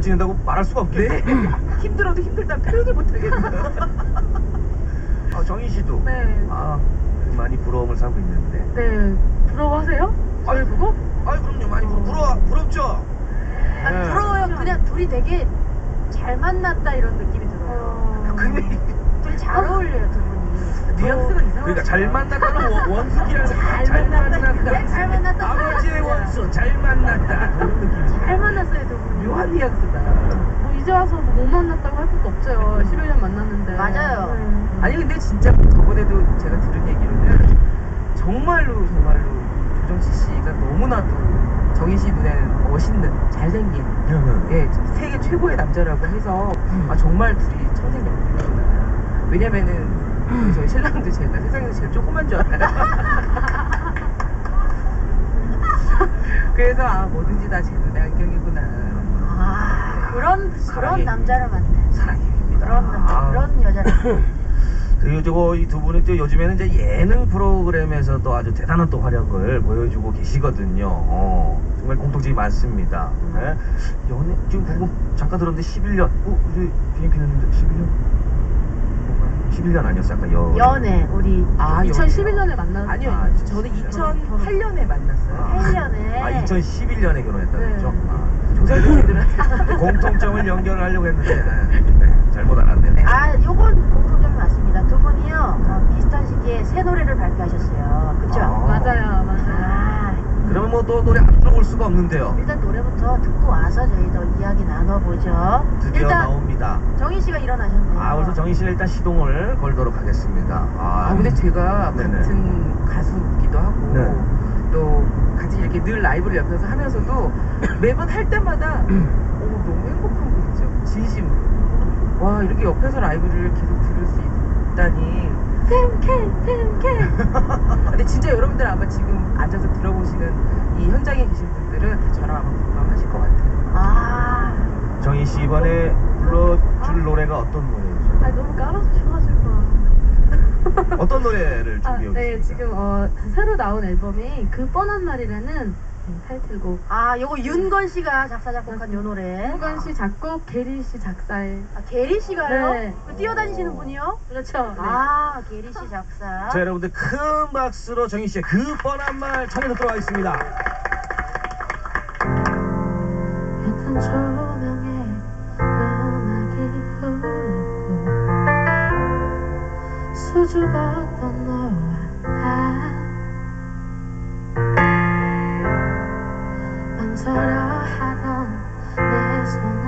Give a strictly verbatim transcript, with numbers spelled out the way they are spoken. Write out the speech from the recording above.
지낸다고 말할 수가 없겠네. 네. 힘들어도 힘들다 표현을 못하겠어요. 아, 정희 씨도 네. 아, 많이 부러움을 사고 있는데. 네. 부러워하세요? 저를 보고? 아, 그럼요. 많이 부러, 부러, 부럽죠? 아, 네. 부러워요. 그냥 둘이 되게 잘 만났다 이런 느낌이 들어요. 어... 근데 둘이 잘 어울려요, 두 분이. 뉘앙스가 이상하죠. 그러니까 잘 만났다는 원- 원숙이라는 잘 잘 만났다. 만났다. 잘 만났다. 아버지의 원수 잘 만났다. 그런 느낌이죠. 잘 만났어요, 두 분이. 묘한 뉘앙스다. 뭐 이제 와서 뭐 못 만났다고 할 것도 없죠. 십일 년 만났는데. 맞아요. 네. 아니 근데 진짜 저번에도 제가 들은 얘기로는 정말로 정말로 조정치 씨가 너무나도 정희 씨 눈에는 멋있는 잘생긴 예 세계 최고의 남자라고 해서 아 정말 둘이 청생연분이구나. 왜냐면은 우리 저희 신랑도 제가 세상에서 제일 조그만 줄 알아요. 그래서 아 뭐든지 다 제 눈의 안경이구나. 아, 그런, 그런 사랑의 남자를 만나요. 사랑의 힘입니다. 그런 남자, 아. 그런 여자를 만나요. 그리고 저거 이 두 분이 또 요즘에는 이제 예능 프로그램에서도 아주 대단한 또 활약을 보여주고 계시거든요. 어, 정말 공통점이 많습니다. 네? 연애 지금 방금 잠깐 들었는데 십일 년. 어, 우리 비행기는 십일 년? 십일 년 아니었어 아까 여. 연애, 우리 아 이천십일 년에 만났어요. 아니요 아, 저는 이천팔 년에 만났어요. 팔 년에. 아, 이천십일 년에 결혼했다고 네. 했죠? 아, 조선시대들은 공통점을 연결을 하려고 했는데 네, 네, 잘못 알았네. 아, 요건 공통점이 맞습니다. 두 분이요, 어, 비슷한 시기에 새 노래를 발표하셨어요. 그쵸? 아. 맞아요, 맞아요. 아, 그러면 뭐 또 노래 안 들어볼 수가 없는데요. 일단 노래부터 듣고 와서 저희도 이야기 나눠보죠. 드디어 일단 나옵니다. 정희 씨가 일어나셨네요. 아, 그래서 정희 씨가 일단 시동을 걸도록 하겠습니다. 아, 아 근데 제가 네네. 같은 가수기도 하고 네. 또 같이 이렇게 늘 라이브를 옆에서 하면서도 매번 할 때마다 어, 너무 행복한 거 있죠. 진심으로. 와 이렇게 옆에서 라이브를 계속 들을 수 있다니. 팬케 팬케. 근데 진짜 여러분들 아마 지금 앉아서 들어보시는 이 현장에 계신 분들은 다 저랑 아마 공감하실 것 같아요. 아, 정희 씨 이번에 불러줄 노래가 어떤 노래죠? 아 너무 깔아주셔가지고. 어떤 노래를 아, 준비해 네, 오셨습니까? 지금 어, 새로 나온 앨범이 그 뻔한 말이라는 타이틀곡. 아, 요거 윤건 씨가 작사 작곡한 요 노래. 홍건 씨 작곡, 게리 씨 작사에. 아, 게리 씨가요? 네. 그 뛰어다니시는 분이요? 그렇죠. 네. 아, 게리 씨 작사. 자, 여러분들 큰 박수로 정희 씨의 그 뻔한 말 청해 듣도록 하겠습니다. 옅은 조명에 은하기 흐르고 수줍었던 너와 나 망설여 하던 내 손